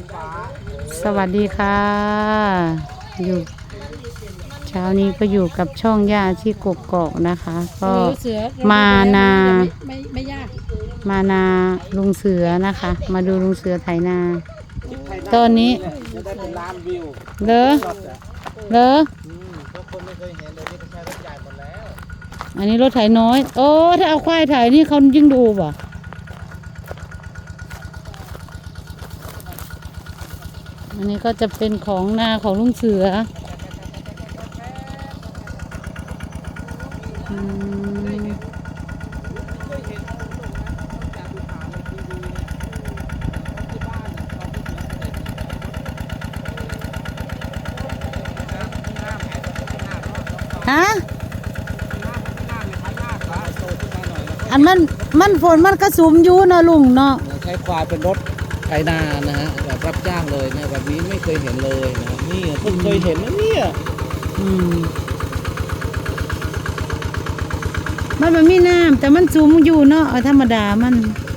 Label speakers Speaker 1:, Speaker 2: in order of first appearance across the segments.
Speaker 1: สวัสดีค่ะอยู่เช้านี้ก็อยู่กับช่องย่าที่กกอกนะคะ ก็มานา
Speaker 2: ไม่ยาก
Speaker 1: มานาลุงเสือนะคะ มาดูลุงเสือไถนาตอนนี้
Speaker 3: จะได้เป็นล้านวิว
Speaker 1: เลอเลอ
Speaker 3: เพราะคนไม่เคยเห็นเลยนี่ก็ใช้รถใหญ่หมดแล้ว
Speaker 1: อันนี้รถไถน้อยโอ้ถ้าเอาควายไถนี่เขายิ่งดูบ่อันนี้ก็จะเป็นของนาของลุงเสือฮะอันมันฝนมันกระสุมอยู่เนาะลุงเนาะ
Speaker 3: ใช้ควายเป็นรถไถนานะฮะแบบรับจ้างเลยนะแบบนี้ไม่เคยเห็นเลยนะนี่เพิ่งเคยเห็นนะเนี่ย
Speaker 1: มันมีน้ำแต่มันสูงอยู่เนาะธรรมดามัน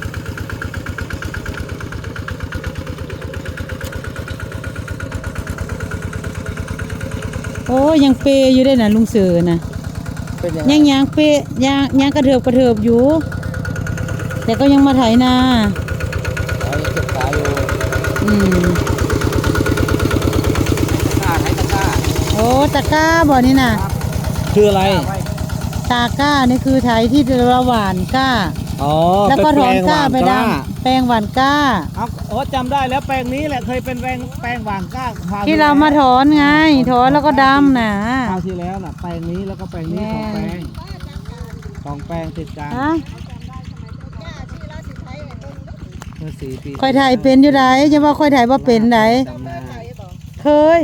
Speaker 1: โอ้ยังเปยอยู่ได้น่ะลุงเสือน่ะยังเปยยังกระเถิบอยู่แต่ก็ยังมาไถนา
Speaker 3: เก็บขาอยู่ตะกร้า
Speaker 1: โอ้ตะกร้าบ่นี่น่ะ
Speaker 3: คืออะไร
Speaker 1: ตาก้านี่คือไถที่เราหว่านก้าแล้วก็ถอนก้าไปดำแปลงหว่านก้า
Speaker 3: อ๋อจำได้แล้วแปลงนี้แหละเคยเป็นแปลงหว่านก้า
Speaker 1: ที่เรามาถอนไงถอนแล้วก็ดำน่ะ
Speaker 3: คราวที่แล้วน่ะแปลงนี้แล้วก็แปลงนี้สองแปลงติดกัน
Speaker 1: ค่อยถ่ายเป็นอยู่ไหนจะว่าค่อยถ่ายว่าเป็นไหนเคย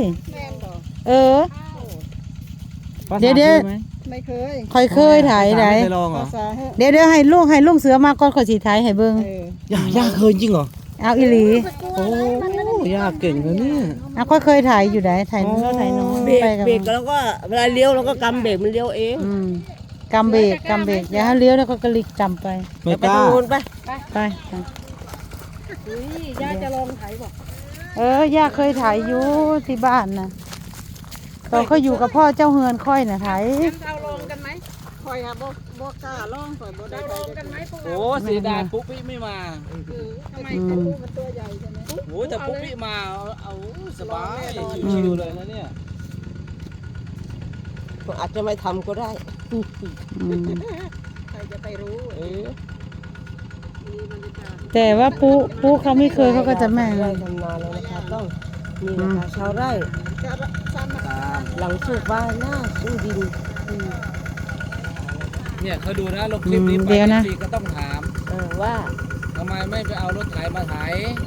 Speaker 1: เดี๋ยว
Speaker 2: ไม่เคย
Speaker 1: ค่อยเคยถ่ายไหนเดี๋ยวให้ลุงเสือมาก่อนขอสีถ่ายให้เบิ้ง
Speaker 3: ย่าเคยจริงเหรอ
Speaker 1: เอาอีหลี
Speaker 3: โอ้ย่าเก่งเลยเนี่ย
Speaker 1: ค่อยเคยถ่ายอยู่ไหนถ่ายน้อง
Speaker 2: เบรกแล้วก็เวลาเลี้ยวเราก็กำเบรกมันเลี้ยวเอง
Speaker 1: กำเบรกอย่าให้เลี้ยวแล้วก็กระลิกจำไป
Speaker 3: ไม่กล้า
Speaker 1: ไป
Speaker 2: ย่าจะลองถ่ายบอก
Speaker 1: ย่าเคยถ่ายอยู่ที่บ้านนะตอนเขาอยู่กับพ่อเจ้าเฮือนค่อยนะถ่าย
Speaker 2: เราลองกันไหมคอยค่ะบอกกล้าลองคอยบอกได้ลองกันไหม
Speaker 3: โอ้เสียดายปุ๊บพี่ไม่มา
Speaker 2: ทำไมปุ๊บมันตัวใหญ่ใช่ไหม
Speaker 3: โอ้แต่ปุ๊บพี่มาเอาสบายชิวๆเลยนะเนี่ย
Speaker 2: อาจจะไม่ทำก็ได้ใครจะไปรู้
Speaker 1: แต่ว่าปุ๊เขาไม่เคยเขาก็จะแม่
Speaker 2: ไร่ทำนาแล้วนะคะต้องนี่นะคะชาวไร่หลังสูบบ้านหน้าสู้ดิน
Speaker 3: เนี่ยเขาดูนะลงคลิปนี้ไปก็ต้องถาม
Speaker 2: ว่า
Speaker 3: ทำไมไม่ไปเอารถไถมาไถ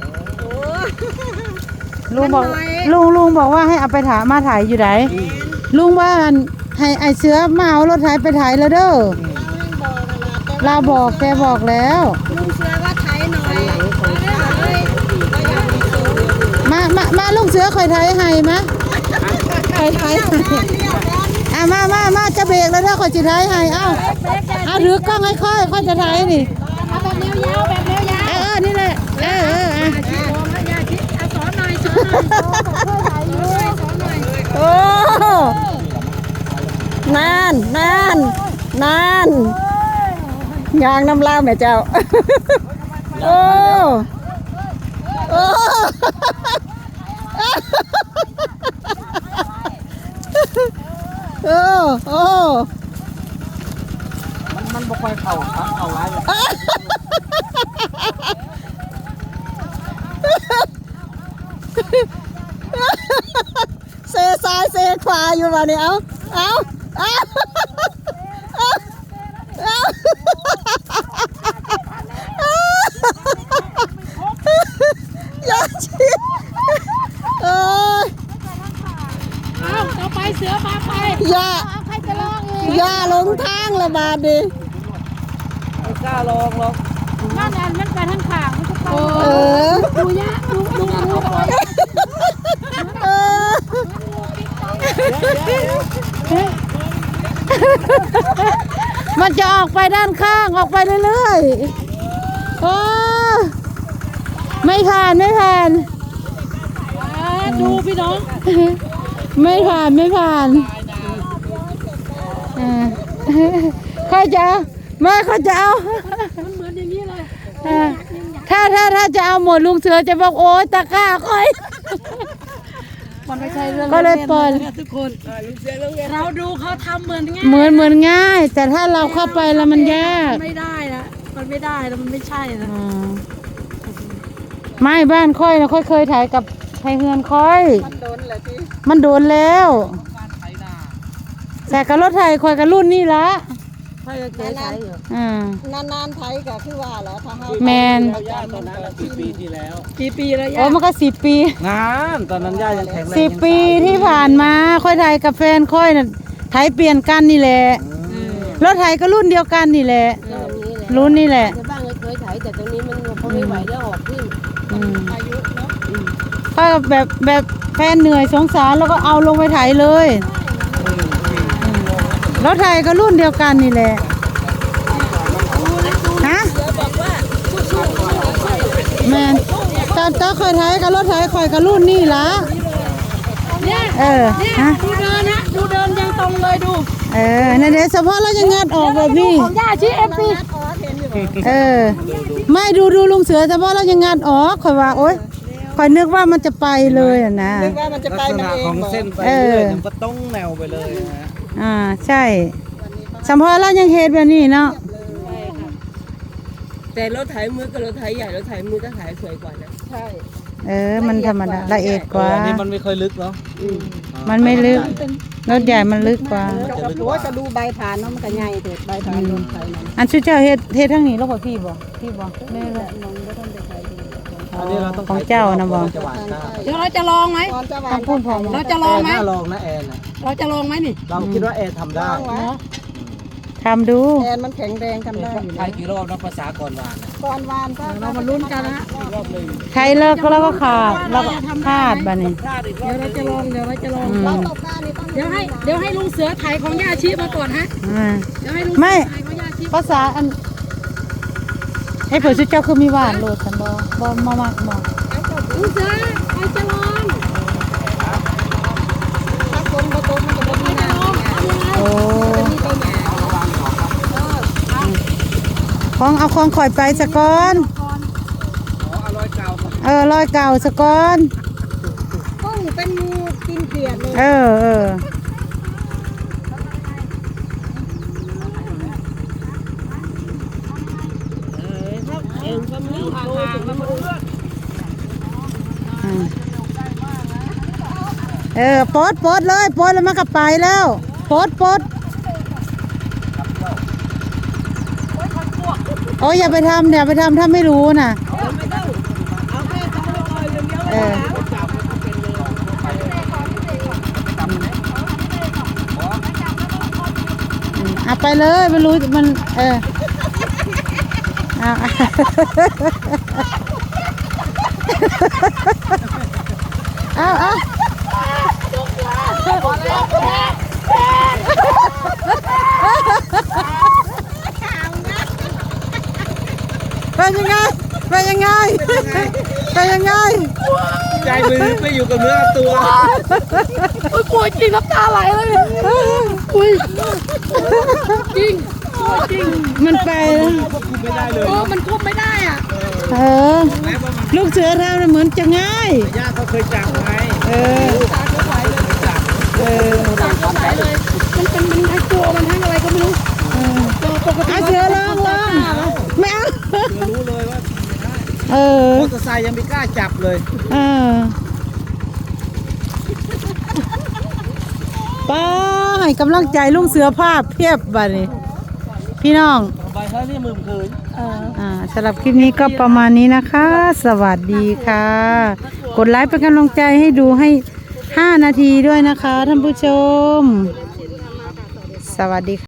Speaker 1: ลุงบอกว่าให้เอาไปถ่ายมาถ่ายอยู่ไหนลุงว่าให้ไอเสือมาเอารถไถไปถ่ายแล้วเด้อเราบอกแกบอกแล้ว
Speaker 2: ลุงเสือว่าไถหน่อย
Speaker 1: มาลุงเสือคอยไถให้มะคอยไถมาจะเบรกแล้วถ้าคอยจะไถให้เอาถือกล้องให้ค่อยจะไถนี่
Speaker 2: เอาแบบเลี้ยวยาว
Speaker 1: นี่แหละ
Speaker 2: สอนหน่อย
Speaker 1: โอ้นานยางน้ำลาวแม่เจ้าโอ้
Speaker 3: มันบ่ค่อยเข้าร้ายเลย
Speaker 1: เซซ้ายเซขวาอยู่บ่เนี่ยเอาอย่าชี้
Speaker 2: ต่อไปเสือมาไปใครจะลอง
Speaker 1: อย่าลงทางละบาดดิ
Speaker 3: ไม่กล้าลองหรอก
Speaker 2: มันไปทางข้างดูยะดู
Speaker 1: มันจะออกไปด้านข้างออกไปเรื่อยๆโอ้ไม่ผ่าน
Speaker 2: ดูพี่น้อง
Speaker 1: ไม่ผ่านไม่ผ่านเขาจะเอาไม่เขาจะเอา
Speaker 2: มันเหมือนอย่างนี้เลย
Speaker 1: ถ้าจะเอาหมดลุงเสือจะบอกโอ้ยตะกร้าค่อย
Speaker 2: มันไม่ใช่เรื่อง
Speaker 1: ก็เลยเปิด
Speaker 2: นะทุกคนเราดูเขาทำเหมือนง่าย
Speaker 1: เหมือนง่าย แต่ถ้าเราเข้าไปแล้วมันยาก
Speaker 2: ไม่ได้นะมันไม่ได้แล้วมันไม่ใช่นะ
Speaker 1: ไม่บ้านค่อยนะค่อยเคยถ่ายกับไทยเฮือนค่อย
Speaker 2: มันโดนแหละที่
Speaker 1: มันโดนแล้ว
Speaker 3: การไถนา
Speaker 1: แต่กับรถไทยค่อยกับรุ่นนี่ละ
Speaker 2: ค่อยจะเจ๊ใช้อยู่
Speaker 4: นานๆไทยก็คือว่าแหล้วถ้าเฮา
Speaker 1: แมน
Speaker 3: เราย่าตอนนั้นกี่ปีที่แล้ว
Speaker 2: กี่ปีแล้ว
Speaker 1: โอ้
Speaker 2: ย่า
Speaker 1: มันก็10 ปี
Speaker 3: งานตอนนั้นย่ายังแข็งแรง
Speaker 1: 10 ปีที่ผ่านมาค่อยถ่ายกับแฟนค่อยน่ะไทยเปลี่ยนกันนี่แหละรถไทยก็รุ่นเดียวกันนี่แหละ รุ่นนี่แหละ
Speaker 2: ในบ้านเคยถ่ายแต่ตรงนี้มันพอไม่ไหวแล้วออกขึ้น
Speaker 4: อายุเนาะ
Speaker 1: ก็แบบแฟนเหนื่อยสงสารแล้วก็เอาลงไปถ่ายเลยรถไทยก็รุ่นเดียวกันนี่แหละฮะแมนตอนเคยถ่ายกับรถไทยคอยกับรุ่นนี่ละฮะ
Speaker 2: ดูเดินนะดูเดินยังตรงเลยดู
Speaker 1: นั่นเดี๋ยวเฉพาะเราจะงัดออกแบบนี้
Speaker 2: ของย่าชี้เอฟซี
Speaker 1: ไม่ดูลุงเสือเฉพาะเรายังงัดออกคอยว่าโอ๊ยคอยนึกว่ามันจะไปเลยอ่ะนะ
Speaker 4: นึกว่ามันจะ
Speaker 3: ลั
Speaker 4: ไป
Speaker 3: กษ
Speaker 4: มัน
Speaker 3: ณะ
Speaker 4: เอง
Speaker 3: ของ
Speaker 4: บอก
Speaker 3: เส้นไปเรื่อยๆมันก็ต้องแนวไปเลยนะฮะ
Speaker 1: ใช่เฉพาะเรายังเฮ็ดแบบนี้เนาะ
Speaker 2: แต่รถไถมือกับรถไถใหญ่รถไถมือก็ถ่ายสวยกว่านะ
Speaker 4: ใช่
Speaker 1: มันธรรมดาละเอียดกว่า
Speaker 3: อันนี้มันไม่ค่อยลึกเนาะ
Speaker 1: มันไม่ลึกรถใหญ่มันลึกกว่า
Speaker 4: โอ้ยจะดูใบผ่านเนาะมันก็ใหญ่เด็ดใบผ่านลงไทยนั่น
Speaker 1: อันชุดเจ้าเฮ็ดทั้งนี้แล้วบ่พี่บ่ไม่เลย
Speaker 4: มองบ่ทันได้ใครดู
Speaker 3: อันนี้เราต้อง
Speaker 1: ของเจ้านะบอก
Speaker 3: จะหวานข้าว
Speaker 2: เดี๋ยวเราจะลองไหม
Speaker 4: ตอนจะหวา
Speaker 1: ต้อน งพูดพอ
Speaker 2: เราจะลองไหม
Speaker 3: น่าลองนะแอนน่ะ
Speaker 2: เราจะลองไหมนี่
Speaker 3: เราคิดว่าแอนทำได้
Speaker 4: ลองวะ
Speaker 1: ทำดู
Speaker 4: แอนมันแข็งแรงทำได้อยู่
Speaker 3: ใช้กี่รอบนะภาษาก่อนหวานน่ะ
Speaker 4: ก่อนวานก็
Speaker 2: เรามาลุ้นกันนะ
Speaker 3: รอบหนึ่ง
Speaker 1: ใครเลิกก็แล้วก็ขาดแล้วก็ขาดบัดนี้
Speaker 3: พลาดอีกรอ
Speaker 2: เดี๋ย
Speaker 3: บ
Speaker 2: วเราจะลองเดี๋ยวเราจะลอง
Speaker 4: เราตกได้นี่ต้อง
Speaker 2: เดี๋ยวให้ลุงเสือถ่ายของย่าชีมาก่อนฮะ
Speaker 1: อ่า
Speaker 2: เดี๋ยวให้ลุง
Speaker 1: ไม่
Speaker 2: ถ่ายของย่าชี
Speaker 1: ภาษาอันให้เผื่อชุดเจ้าคือมีหวานโลดฉันบ่มากบ่
Speaker 2: ลุงเสือใครจะลอง
Speaker 4: ถ้าคนบ่ตกมันจะบ่มีน้ำ
Speaker 1: โอ้
Speaker 4: มีไปหยา
Speaker 1: ของเอาของข่อยไปสะก่อน
Speaker 3: อ๋ออร่อยเก่าก่อน
Speaker 1: รอยเก่าสะก่อน
Speaker 4: กุ้งเป็นงูกินเกลียดเลย
Speaker 1: เออ
Speaker 2: เอ็งก็ไม่ห่างๆมาดู
Speaker 1: ปลดเลยปลดแล้วมันก็ไปแล้วปลดโอ้ยอย่าไปทำถ้าไม่รู้น่ะ
Speaker 2: เอาแค่ต้องไม่คอยเลี้ยว
Speaker 1: เออเอาไปเลยไม่รู้มันเอาเอาเป็นยังไง
Speaker 3: ใจมือไม่อยู่กับเนื้อกับตัว
Speaker 2: ปวดจริงน้ำตาไหลเลยอุ้ยจริงจริง
Speaker 1: มันไปแล้ว
Speaker 3: คุมไม่ได้เลย
Speaker 2: โอ้มันควบไม่ได้อ่ะ
Speaker 1: ลูกเสือทำเหมือนจะง่าย
Speaker 3: ย่าเขาเคยจับไง
Speaker 2: ตาก็ไหลเลยมันทั้งตัวมันทั้งอะไรก็ไม่รู้ตัวปกติ
Speaker 1: เสือลองไม่เอา
Speaker 3: เดี๋ยวรู้เลยว่า มอเตอร์ไซค์ยังไม่กล้าจับเลย
Speaker 1: ป้าให้กำลังใจลุงเสือภาพเพียบบัดนี้พี่น้อง
Speaker 3: ใบเฮ้ยนี่มือคืน
Speaker 1: สำหรับคลิปนี้ก็ประมาณนี้นะคะ สวัสดีค่ะ กดไลค์เป็นกำลังใจให้ดูให้5 นาทีด้วยนะคะท่านผู้ชม สวัสดีค่ะ